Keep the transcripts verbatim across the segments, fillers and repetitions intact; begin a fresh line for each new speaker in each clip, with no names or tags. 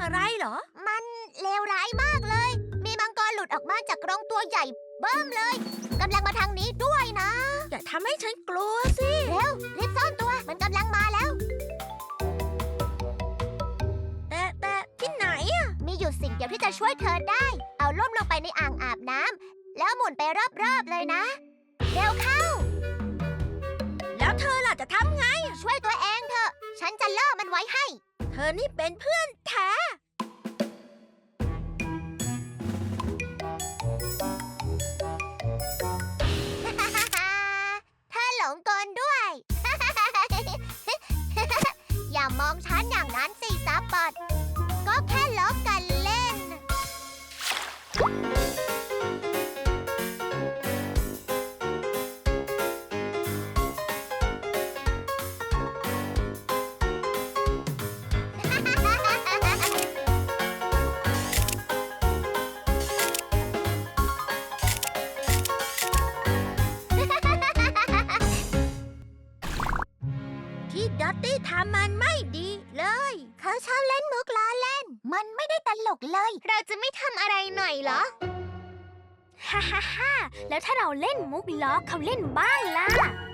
อะไรเหรอ
มันเลวร้ายมากเลยมีมังกรหลุดออกมาจากกรงตัวใหญ่เบิ้มเลยกำลังมาทางนี้ด้วยนะ
อย่าทำให้ฉันกลัวสิ
เร็วรีบซ่อนตัวมันกำลังมาแล้ว
แต่แต่ที่ไหนอะ
มีอยู่สิ่งเดียวที่จะช่วยเธอได้เอาล่มลงไปในอ่างอาบน้ำแล้วหมุนไปรอบๆเลยนะเร็วเข้า
แล้วเธอล่ะจะทำไง
ช่วยตัวเองเถอะฉันจะล่อมันไว้ให้
เธอนี่เป็นเพื่อนแท้
เธอหลงกลด้วย อย่ามองฉันอย่างนั้นสิซับปอดก็แค่ล้อกันเล่น
ที่ดัตตี้ทำมันไม่ดีเลย
เขาชอบเล่นมุกล้อเล่นมันไม่ได้ตลกเลยเราจะไม่ทำอะไรหน่อยเหรอ
ฮ่าฮ่าฮ่าแล้วถ้าเราเล่นมุกล้อเขาเล่นบ้างล่ะ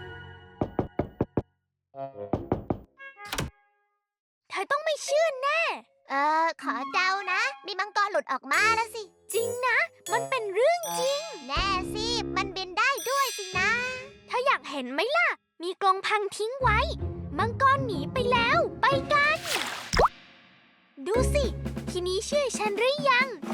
เธอต้องไม่เชื่อแน่
เออขอเดานะมีมังกรหลุดออกมาแล้วสิ
จริงนะมันเป็นเรื่องจริง
แน่สิมันบินได้ด้วยสินะ
เธออยากเห็นไหมล่ะมีกรงพังทิ้งไว้มังกรหนีไปแล้วไปกันดูสิทีนี้เชื่อฉันหรือยัง